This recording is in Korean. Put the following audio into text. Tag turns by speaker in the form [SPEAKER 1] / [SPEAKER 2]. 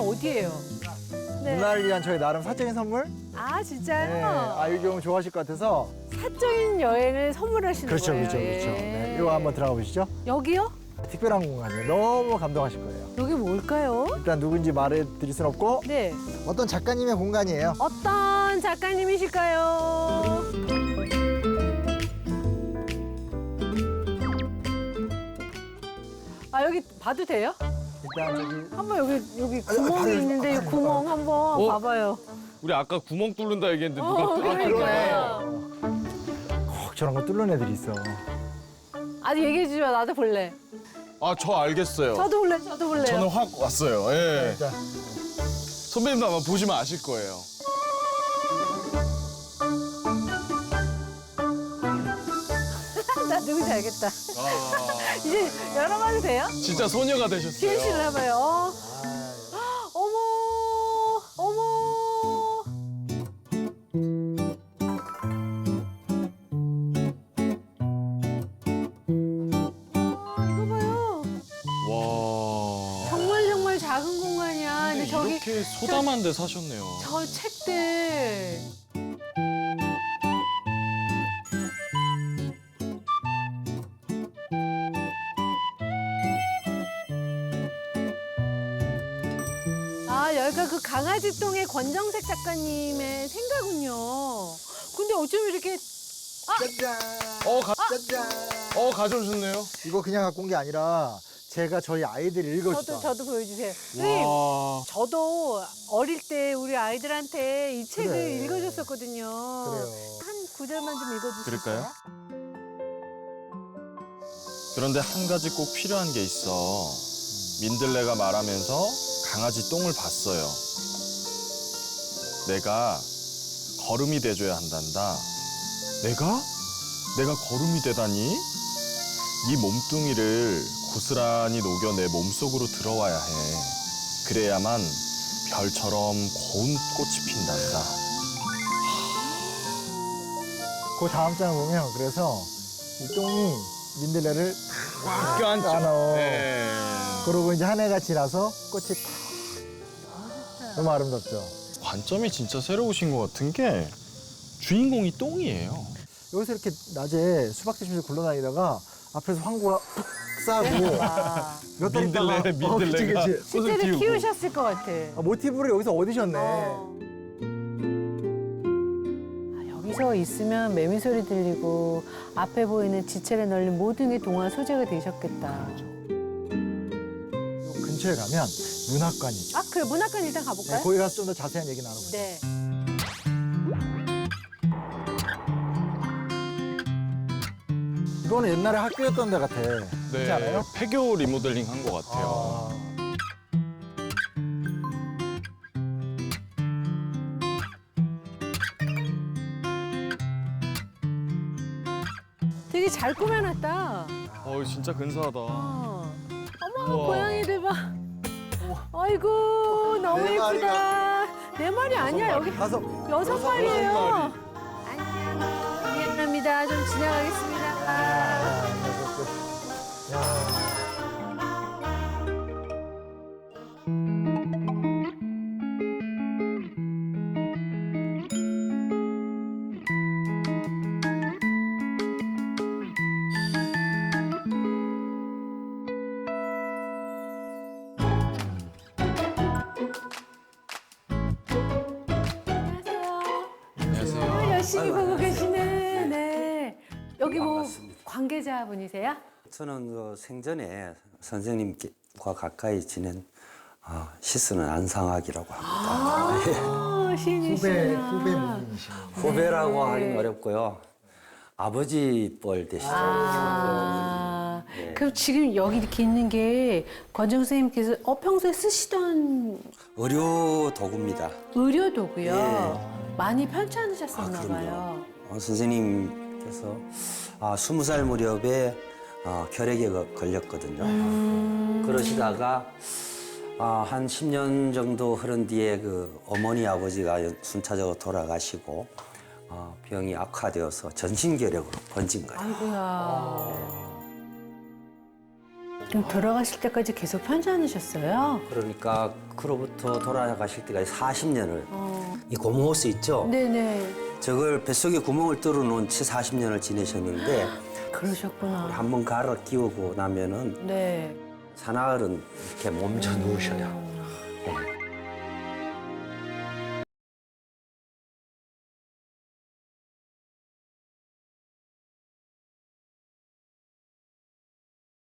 [SPEAKER 1] 어디예요? 네.
[SPEAKER 2] 누나를 위한 저희 나름 사적인 선물?
[SPEAKER 1] 아,
[SPEAKER 2] 네.
[SPEAKER 1] 진짜요?
[SPEAKER 2] 아유경 좋아하실 것 같아서.
[SPEAKER 1] 사적인 여행을 선물하시는
[SPEAKER 2] 그렇죠,
[SPEAKER 1] 거예요.
[SPEAKER 2] 그렇죠, 그렇죠. 네, 이거 한번 들어가 보시죠.
[SPEAKER 1] 여기요?
[SPEAKER 2] 특별한 공간이에요. 너무 감동하실 거예요.
[SPEAKER 1] 여기 뭘까요?
[SPEAKER 2] 일단 누군지 말해드릴 순 없고
[SPEAKER 1] 네.
[SPEAKER 2] 어떤 작가님의 공간이에요.
[SPEAKER 1] 어떤 작가님이실까요? 아, 여기 봐도 돼요?
[SPEAKER 2] 일단 저기
[SPEAKER 1] 한번 여기 구멍이
[SPEAKER 2] 봐요.
[SPEAKER 1] 있는데 이 구멍 한번 봐봐요.
[SPEAKER 3] 우리 아까 구멍 뚫는다 얘기했는데 누가
[SPEAKER 1] 그러니까요.
[SPEAKER 2] 꼭 저런 거 뚫는 애들이 있어.
[SPEAKER 1] 아직 얘기해 주지 마. 나도 볼래.
[SPEAKER 3] 아, 저 알겠어요.
[SPEAKER 1] 저도 볼래. 저도 볼래요.
[SPEAKER 3] 저는 확 왔어요. 예.
[SPEAKER 2] 일단
[SPEAKER 3] 선배님도 아마 보시면 아실 거예요.
[SPEAKER 1] 나 누군지 알겠다.
[SPEAKER 3] 아,
[SPEAKER 1] 이제 열어봐도 돼요?
[SPEAKER 3] 진짜 소녀가 되셨어요.
[SPEAKER 1] 지은 씨를 해봐요. 어머, 어머. 이거 봐요.
[SPEAKER 3] 와.
[SPEAKER 1] 정말 작은 공간이야. 근데 저기
[SPEAKER 3] 이렇게 소담한 데 사셨네요.
[SPEAKER 1] 저 책들. 아, 여기가 그 강아지똥의 권정색 작가님의 생가군요. 근데 어쩜 이렇게
[SPEAKER 2] 짜잔. 짜잔.
[SPEAKER 3] 가져오셨네요.
[SPEAKER 2] 이거 그냥 갖고 온 게 아니라 제가 저희 아이들이 읽어주다.
[SPEAKER 1] 저도 보여주세요. 선생님,
[SPEAKER 3] 와.
[SPEAKER 1] 저도 어릴 때 우리 아이들한테 이 책을
[SPEAKER 2] 그래.
[SPEAKER 1] 읽어줬었거든요.
[SPEAKER 2] 그래요.
[SPEAKER 1] 한 구절만 좀 읽어주세요.
[SPEAKER 3] 그럴까요? 그런데 한 가지 꼭 필요한 게 있어. 민들레가 말하면서 강아지 똥을 봤어요. 내가 거름이 돼줘야 한단다. 내가? 내가 거름이 되다니? 네 몸뚱이를 고스란히 녹여 내 몸속으로 들어와야 해. 그래야만 별처럼 고운 꽃이 핀단다.
[SPEAKER 2] 그 다음 장을 보면 그래서 이 똥이 민들레를 꽉 안어.
[SPEAKER 3] 네.
[SPEAKER 2] 그러고 이제 한 해가 지나서 꽃이 탁. 너무 아름답죠.
[SPEAKER 3] 관점이 진짜 새로우신 것 같은 게 주인공이 똥이에요.
[SPEAKER 2] 여기서 이렇게 낮에 수박 드시면서 굴러다니다가 앞에서 황구가 푹 싸고
[SPEAKER 1] 와,
[SPEAKER 2] 몇 달 있다가
[SPEAKER 3] 민들레가
[SPEAKER 2] 그치, 그치.
[SPEAKER 3] 꽃을
[SPEAKER 1] 실제로
[SPEAKER 3] 띄우고.
[SPEAKER 1] 키우셨을 것 같아.
[SPEAKER 2] 모티브를 여기서 얻으셨네.
[SPEAKER 1] 여기서 있으면 매미 소리 들리고 앞에 보이는 지체를 널린 모든 게 동화 소재가 되셨겠다.
[SPEAKER 2] 요 근처에 가면 문학관이 있죠.
[SPEAKER 1] 아, 그래. 문학관 일단
[SPEAKER 2] 네,
[SPEAKER 1] 가볼까요?
[SPEAKER 2] 거기 가서 좀 더 자세한 얘기 나눠보죠.
[SPEAKER 1] 네.
[SPEAKER 2] 이거는 옛날에 학교였던 데 같아. 그렇지 않아요?
[SPEAKER 3] 폐교 리모델링 한 것 같아요.
[SPEAKER 1] 되게 잘 꾸며놨다.
[SPEAKER 3] 진짜 근사하다.
[SPEAKER 1] 어머,
[SPEAKER 3] 우와.
[SPEAKER 1] 고양이들 봐. 아이고, 너무
[SPEAKER 2] 네
[SPEAKER 1] 예쁘다. 네 마리 아니야, 여기
[SPEAKER 2] 가서
[SPEAKER 1] 여섯 마리예요.
[SPEAKER 3] 마리.
[SPEAKER 1] 안녕. 미안합니다. 좀 지나가겠습니다. 안녕하세요.
[SPEAKER 3] 안녕하세요.
[SPEAKER 1] 열심히 보고 계시네. 네. 여기 뭐
[SPEAKER 4] 반갑습니다.
[SPEAKER 1] 관계자분이세요?
[SPEAKER 4] 저는 그 생전에 선생님과 가까이 지낸 시스는 안상학이라고 합니다. 예.
[SPEAKER 1] 아, 시인이시구나.
[SPEAKER 2] 후배 모임이시네.
[SPEAKER 4] 후배라고
[SPEAKER 1] 네.
[SPEAKER 4] 하긴 어렵고요. 아버지 뻘 되시죠.
[SPEAKER 1] 아,
[SPEAKER 4] 네.
[SPEAKER 1] 그럼 지금 여기 이렇게 있는 게 권정 선생님께서 평소에 쓰시던
[SPEAKER 4] 의료 도구입니다.
[SPEAKER 1] 의료 도구요.
[SPEAKER 4] 예.
[SPEAKER 1] 많이 편찮으셨었나
[SPEAKER 4] 그럼요.
[SPEAKER 1] 봐요.
[SPEAKER 4] 선생님께서 20살 무렵에 결핵에 걸렸거든요. 그러시다가 한 10년 정도 흐른 뒤에 그 어머니 아버지가 순차적으로 돌아가시고 병이 악화되어서 전신결핵으로 번진 거예요.
[SPEAKER 1] 아이고야. 그럼 돌아가실 때까지 계속 편찮으셨어요?
[SPEAKER 4] 그러니까 그로부터 돌아가실 때까지 40년을 이 고무호스 있죠?
[SPEAKER 1] 네네.
[SPEAKER 4] 저걸 뱃속에 구멍을 뚫어놓은 채 40년을 지내셨는데
[SPEAKER 1] 그러셨구나.
[SPEAKER 4] 한번 갈아 끼우고 나면은
[SPEAKER 1] 네.
[SPEAKER 4] 사나흘은 이렇게 몸져 누우셔요. 네.